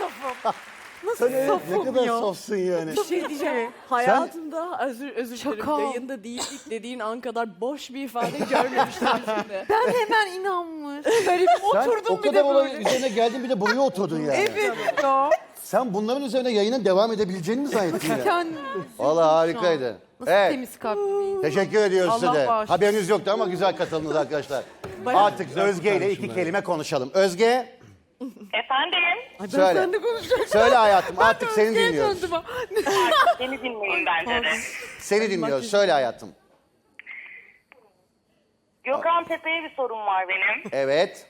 safım. Sen evet, ne safım kadar ya. safsın yani. Bir şey diyeceğim. Hayatımda özür dilerim. Şaka. Yayında değildik dediğin an kadar boş bir ifade görmemiştim yüzünde. Ben hemen inanmış. Böyle Sen oturdum o bir kadar de olayın böyle. üzerine geldin bir de buraya oturdun yani. Evet ya. Sen bunların üzerine yayının devam edebileceğini mi zannettin ya? Kendimi Valla harikaydı. nasıl Evet. temiz kalpli bir insan. Teşekkür ediyoruz size Allah de. bağışlasın. Haberiniz yoktu ama güzel katıldınız arkadaşlar. Bayağı Artık Özge ile iki kelime konuşalım. Özge, Efendim, Ay ben Söyle. seninle konuşacağım. söyle hayatım artık seni Özge'ye dinliyoruz. döndüm ha. seni dinleyin bence de. Seni dinliyoruz. Söyle hayatım. Gökhan Tepe'ye bir sorum var benim. Evet.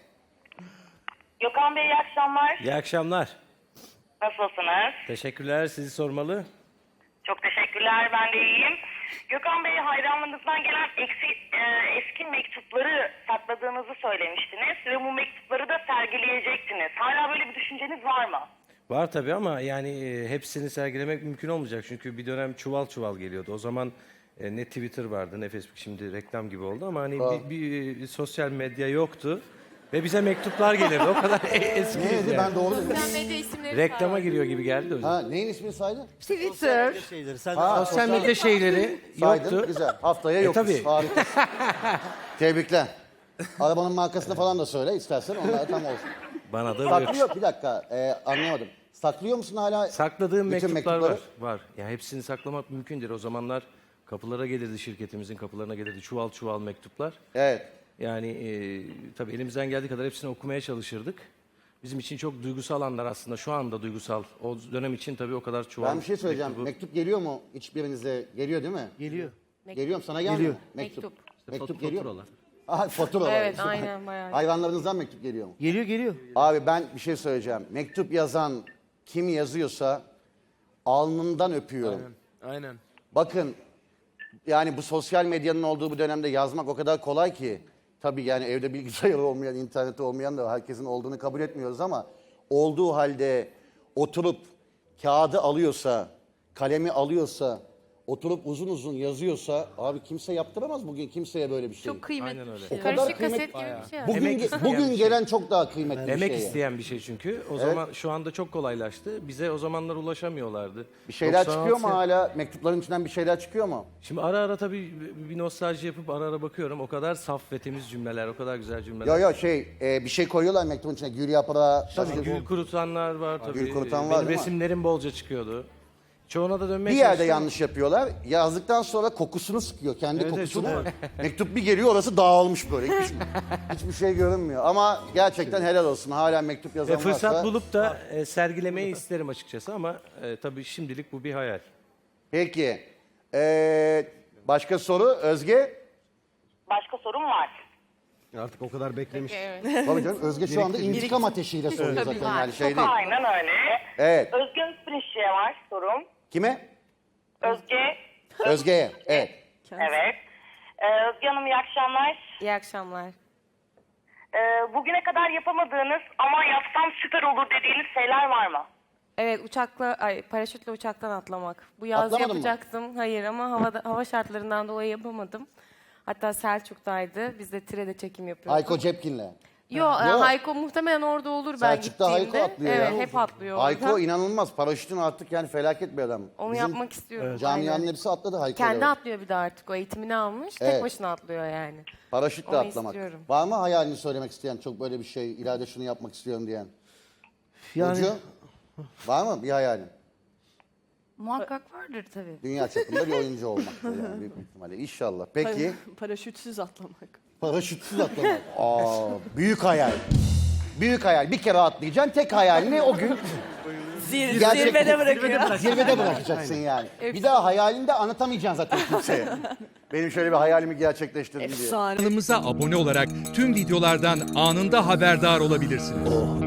Gökhan Bey iyi akşamlar. İyi akşamlar. Nasılsınız? Teşekkürler. Sizi sormalı. Çok teşekkürler, ben de iyiyim. Gökhan Bey hayranlarınızdan gelen eski mektupları sakladığınızı söylemiştiniz ve bu mektupları da sergileyecektiniz. Hala böyle bir düşünceniz var mı? Var tabii ama yani hepsini sergilemek mümkün olmayacak. Çünkü bir dönem çuval çuval geliyordu. O zaman ne Twitter vardı ne Facebook, şimdi reklam gibi oldu ama hani bir sosyal medya yoktu. Ve bize mektuplar gelirdi. O kadar eski. Neydi yani. ben doğru dedim. Sosyal medya isimleri Reklama giriyor gibi geldi o yüzden. Ha, neyin ismini saydın? Twitter. Ha, Sosyal medya şeyleri saydın. yoktu. Güzel. Haftaya yokuz. tabii. Harika. Tebrikler. Arabanın markasını falan da söyle istersen onlar tam olsun. Bana da yok. Saklıyor bir dakika anlayamadım. Saklıyor musun hala? Sakladığım bütün mektuplar mektupları? var. Ya hepsini saklamak mümkün değil. O zamanlar kapılara gelirdi, şirketimizin kapılarına gelirdi çuval çuval mektuplar. Evet. Yani tabii elimizden geldiği kadar hepsini okumaya çalışırdık. Bizim için çok duygusal anlar aslında. Şu anda duygusal. O dönem için tabii o kadar çuval Ben bir şey söyleyeceğim. mektubu. Mektup geliyor mu hiçbirinize? Geliyor değil mi? Geliyor. Geliyor mu? Sana gelmiyor mu? Mektup. Mektup geliyor mu? Faturalar. Aha, faturalar. Evet aynen bayağı. Hayvanlarınızdan mektup geliyor mu? Geliyor. Abi ben bir şey söyleyeceğim. Mektup yazan kim yazıyorsa alnından öpüyorum. Aynen. Bakın yani bu sosyal medyanın olduğu bu dönemde yazmak o kadar kolay ki. Tabii yani evde bilgisayarı olmayan, interneti olmayan da herkesin olduğunu kabul etmiyoruz ama olduğu halde oturup kağıdı alıyorsa, kalemi alıyorsa, oturup uzun uzun yazıyorsa abi kimse yaptıramaz bugün kimseye böyle bir şey. Çok kıymetli Aynen bir öyle. şey. O kadar Karışık kıymet- kaset gibi bir şey. Bugün, Emek isteyen bugün bir şey. gelen çok daha kıymetli Emek bir şey. isteyen bir şey çünkü. O zaman şu anda çok kolaylaştı. Bize o zamanlar ulaşamıyorlardı. Bir şeyler 96 çıkıyor mu hala? Mektupların içinden bir şeyler çıkıyor mu? Şimdi ara ara tabii bir nostalji yapıp ara ara bakıyorum. O kadar saf ve temiz cümleler, o kadar güzel cümleler. Yo bir şey koyuyorlar mektubun içine. Gül yaprağı. Tabii gül kurutanlar var tabii. Gül kurutan var Benim değil mi? resimlerim bolca çıkıyordu. Çoğuna da dönmeye Bir yerde çalıştım. yanlış yapıyorlar. Yazdıktan sonra kokusunu sıkıyor. Kendi Evet, kokusunu. çok Mektup bir geliyor orası dağılmış böyle. Hiçbir şey görünmüyor. Ama gerçekten helal olsun. Hala mektup yazan Fırsat varsa. bulup da sergilemeyi isterim açıkçası ama tabii şimdilik bu bir hayal. Peki. Başka soru Özge? Başka sorum var. Artık o kadar beklemiş. Tabii canım Özge şu anda intikam ateşiyle soruyor zaten. Yani şey değil. Aynen öyle. Evet. Özge Özpirinççi'ye var sorum. Kime? Özge, Özge'ye. Evet. evet. Özge Hanım iyi akşamlar. İyi akşamlar. Bugüne kadar yapamadığınız ama yapsam süper olur dediğiniz şeyler var mı? Evet paraşütle uçaktan atlamak. Bu yaz Atlamadın mı? yapacaktım. Hayır ama hava şartlarından dolayı yapamadım. Hatta Selçuk'taydı. Biz de Tire'de çekim yapıyorduk. Hayko Cepkin'le. Yo, Hayko muhtemelen orada olur ben Selçuk'ta gittiğimde. Hayko atlıyor evet, ya. hep atlıyor Hayko orada. inanılmaz. Paraşütün artık yani felaket bir adam. Onu Bizim yapmak istiyorum. Camianın aynen. hepsi atladı Hayko'yla. Kendi atlıyor bir de artık. O eğitimini almış. Evet. Tek başına atlıyor yani. Paraşütle Onu atlamak. istiyorum. Var mı hayalini söylemek isteyen çok böyle bir şey, ileride şunu yapmak istiyorum diyen? Yani Burcu, var mı bir hayalin? Muhakkak vardır tabii. Dünya çapında bir oyuncu olmak yani büyük bir ihtimalle. İnşallah. Peki Paraşütsüz atlamak. paraşütsüz atlamak. Büyük hayal. Büyük hayal. Bir kere atlayacaksın. Tek hayalini o gün Gerçekten- Zirvede bırakıyor. zirvede bırakacaksın yani. Bir daha hayalini de anlatamayacaksın zaten kimseye. Benim şöyle bir hayalimi gerçekleştirdim diye. Efsane. Kanalımıza abone olarak tüm videolardan anında haberdar olabilirsiniz.